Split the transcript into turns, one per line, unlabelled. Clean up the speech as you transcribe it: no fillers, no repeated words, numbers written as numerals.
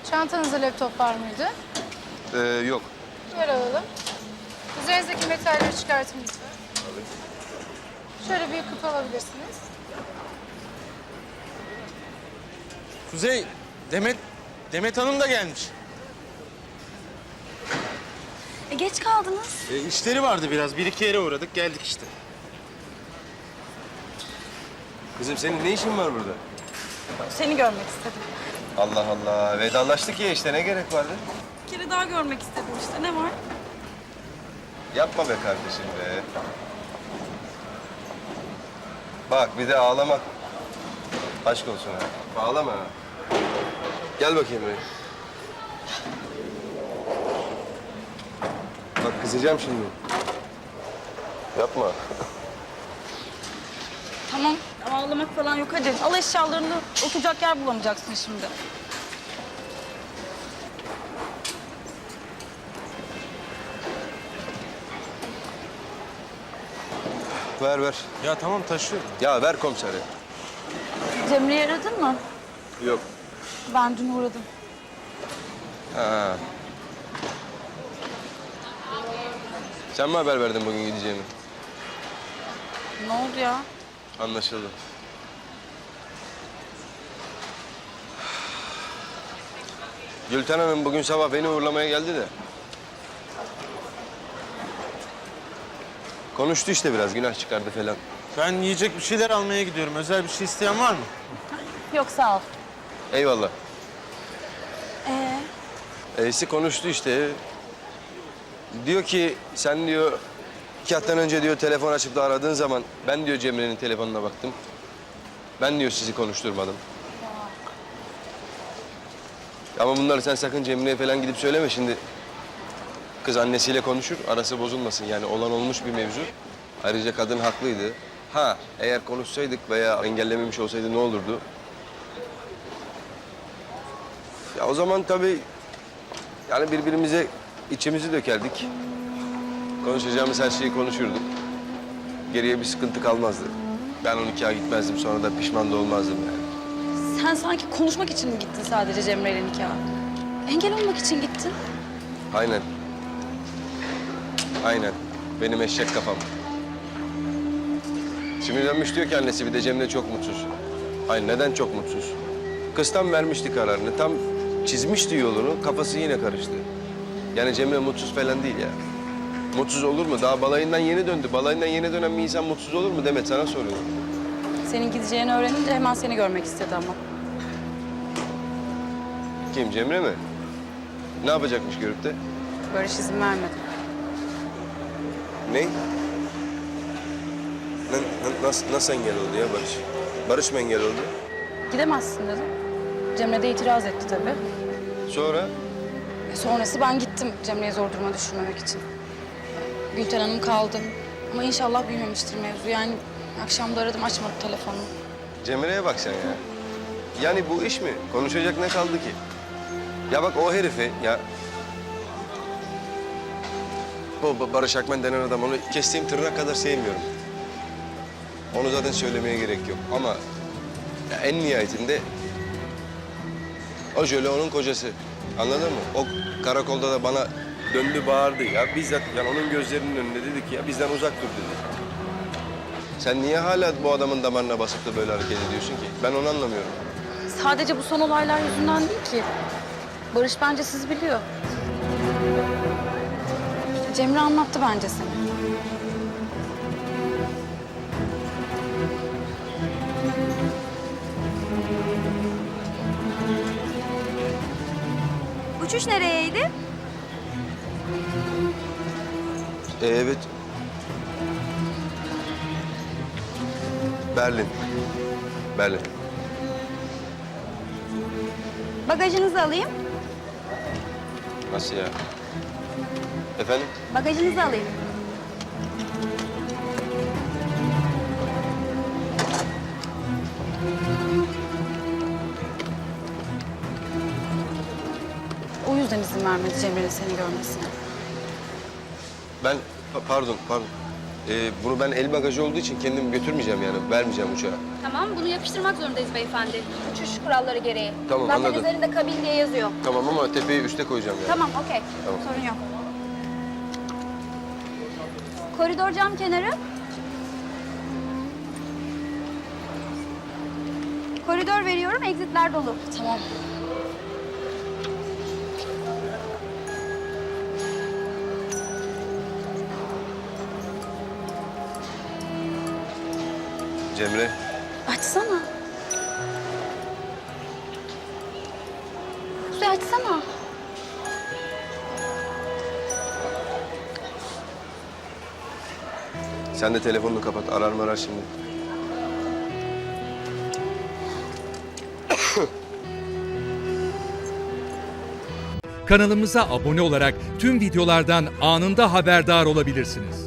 Çantanızda laptop var mıydı?
Yok.
Yer alalım. Üzerinizdeki metalleri çıkartın lütfen. Şöyle bir kutu alabilirsiniz.
Kuzey, Demet Hanım da gelmiş.
Geç kaldınız.
İşleri vardı biraz. Bir iki yere uğradık, geldik işte.
Kızım senin ne işin var burada?
Seni görmek istedim.
Allah Allah. Vedalaştık ya işte ne gerek vardı?
Bir kere daha görmek istedim işte. Ne var?
Yapma be kardeşim be. Bak bir de ağlamak. Aşk olsun ha. Ağlama ha. Gel bakayım buraya. Bak kızacağım şimdi. Yapma.
Tamam. Ağlamak falan yok hadi. Al eşyalarını. Oturacak yer bulamayacaksın şimdi.
Ver ver.
Ya tamam taşıyorum.
Ya ver komiseri.
Cemre'yi aradın mı?
Yok.
Ben dün uğradım.
Ha. Sen mi haber verdin bugün gideceğimi?
Ne oldu ya?
Anlaşıldı. Gülten Hanım bugün sabah beni uğurlamaya geldi de. Konuştu işte biraz, günah çıkardı falan.
Ben yiyecek bir şeyler almaya gidiyorum. Özel bir şey isteyen var mı?
Yok sağ ol.
Eyvallah.
Ee?
Eysi konuştu işte. Diyor ki sen diyor 2 haftadan önce diyor telefon açıp da aradığın zaman ben diyor Cemre'nin telefonuna baktım. Ben diyor sizi konuşturmadım. Ama bunları sen sakın Cemre'ye falan gidip söyleme şimdi. Kız annesiyle konuşur, arası bozulmasın. Yani olan olmuş bir mevzu. Ayrıca kadın haklıydı. Ha, eğer konuşsaydık veya engellememiş olsaydı ne olurdu? Ya o zaman tabii yani birbirimize içimizi dökerdik. Konuşacağımız her şeyi konuşurduk. Geriye bir sıkıntı kalmazdı. Ben 12'a gitmezdim, sonra da pişman da olmazdım yani.
Sen sanki konuşmak için mi gittin sadece Cemre'yle nikaha? Engel olmak için gittin.
Aynen. Aynen. Benim eşek kafam. Şimdi dönmüş diyor ki annesi bir de Cemre çok mutsuz. Hayır neden çok mutsuz? Kız tam vermişti kararını, tam çizmişti yolunu, kafası yine karıştı. Yani Cemre mutsuz falan değil ya. Mutsuz olur mu? Daha balayından yeni döndü. Balayından yeni dönen bir insan mutsuz olur mu Demet? Sana soruyorum.
Senin gideceğini öğrenince hemen seni görmek istedi ama.
Kim, Cemre mi? Ne yapacakmış görüp de?
Barış izin vermedi.
Ne? Nasıl engel oldu ya Barış? Barış mı engel oldu?
Gidemezsin dedim. Cemre de itiraz etti tabii.
Sonra?
Sonrası ben gittim Cemre'yi zor duruma düşürmemek için. Gülten Hanım kaldı. Ama inşallah büyümemiştir mevzu. Yani akşam da aradım açmadı telefonunu.
Cemre'ye bak sen ya. Yani bu iş mi? Konuşacak ne kaldı ki? Ya bak o herifi ya... Bu Barış Akmen denen adam, onu kestiğim tırnak kadar sevmiyorum. Onu zaten söylemeye gerek yok ama... Ya en nihayetinde... O Jöle onun kocası. Anladın mı? O karakolda da bana döndü bağırdı ya. Bizzat yani onun gözlerinin önünde dedi ki ya bizden uzak dur dedi. Sen niye hala bu adamın damarına basıp da böyle hareket ediyorsun ki? Ben onu anlamıyorum.
Sadece bu son olaylar yüzünden değil ki. Barış bence sizi biliyor. Cemre anlattı bence seni.
Uçuş nereyeydi?
Evet. Berlin. Berlin.
Bagajınızı alayım.
Nasıl ya? Efendim?
Bagajınızı alayım.
O yüzden izin vermedi Cemre'nin seni görmesine.
Ben pardon. Bunu ben el bagajı olduğu için kendim götürmeyeceğim yani. Vermeyeceğim uçağa.
Tamam, bunu yapıştırmak zorundayız beyefendi. Uçuş kuralları gereği.
Tamam,
Zaten
anladım.
üzerinde kabin diye yazıyor.
Tamam ama tepeyi üste koyacağım yani.
Tamam, okey.
Tamam.
Sorun yok. Koridor cam kenarı. Koridor veriyorum, exitler dolu.
Tamam.
Cemre,
Açsana. Kuzey açsana.
sen de telefonunu kapat. Arar şimdi.
Kanalımıza abone olarak tüm videolardan anında haberdar olabilirsiniz.